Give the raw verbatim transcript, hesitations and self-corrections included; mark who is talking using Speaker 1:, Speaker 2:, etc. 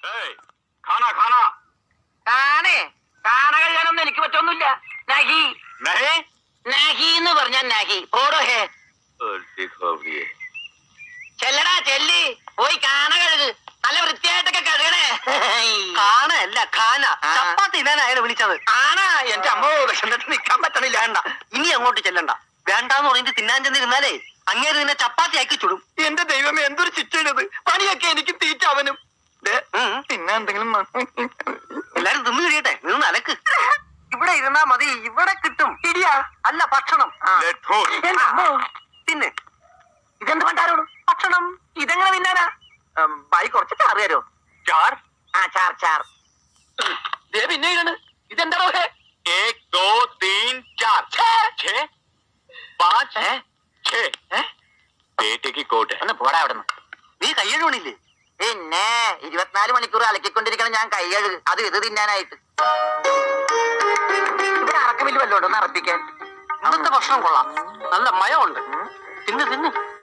Speaker 1: खाना खाना
Speaker 2: കാണേ കാണ കഴിയാനൊന്നും എനിക്ക് പറ്റൊന്നുമില്ല. നഹി
Speaker 1: नहीं
Speaker 2: നഹി എന്ന് പറഞ്ഞാൽ നഹി. ഓടോ ഹേ ചെല്ലടാ ചെല്ലി പോയി കാണ കഴുക്. നല്ല വൃത്തിയായിട്ടൊക്കെ കഴുകണേ.
Speaker 3: കാണല്ല ഖാന ചപ്പാത്തി ഇടാൻ അയാളെ വിളിച്ചത്.
Speaker 2: ആണാ എന്റെ അമ്മ വിശന്നിട്ട് നിക്കാൻ പറ്റണില്ല.
Speaker 3: വേണ്ട ഇനി അങ്ങോട്ട് ചെല്ലണ്ട. വേണ്ടാന്ന് പറഞ്ഞിട്ട് തിന്നാൻ ചെന്നിരുന്നാലേ അങ്ങേര് നിന്നെ ചപ്പാത്തി ആക്കി ചുടും.
Speaker 2: എന്റെ ദൈവമേ എന്തൊരു ശിക്ഷയാണത്. പണിയൊക്കെ എനിക്ക് തീറ്റ അവനും. പിന്നെ എന്തെങ്കിലും
Speaker 3: എല്ലാരും തിന്നു കഴിയട്ടെ. നിന്ന് അലക്ക്. ഇവിടെ ഇരുന്നാ മതി. ഇവിടെ കിട്ടും ഇടിയാ അല്ല ഭക്ഷണം. തിന്നെ.
Speaker 2: ഇതെന്ത് പണ്ടാരോട്
Speaker 3: ഭക്ഷണം
Speaker 2: ഇതെങ്ങനെ തിന്നാനാ? ബായി കുറച്ച് ചാറ് തരോ?
Speaker 1: चार
Speaker 2: ആ ചാർ ചാർ. ദേ പിന്നെ ഇതാണ്. ഇതെന്താണോ ഹേ?
Speaker 1: एक दो तीन चार छह पाँच छह बेटे की कोट है
Speaker 2: ഒന്ന് പോടാ അവിടെ നിന്ന്.
Speaker 3: നീ കയ്യഴുണില്ലേ?
Speaker 2: പിന്നെ ഇരുപത്തിനാല് മണിക്കൂർ അലക്കിക്കൊണ്ടിരിക്കണം ഞാൻ കൈ കഴുകു. അത് ഇത് തിന്നാനായിട്ട്. ഇവിടെ അറക്കമില്ല വല്ലോണ്ട് ഒന്ന് അറപ്പിക്കാൻ.
Speaker 3: ഇന്നത്തെ ഭക്ഷണം കൊള്ളാം. നല്ല മയമുണ്ട്. തിന്ന് തിന്ന്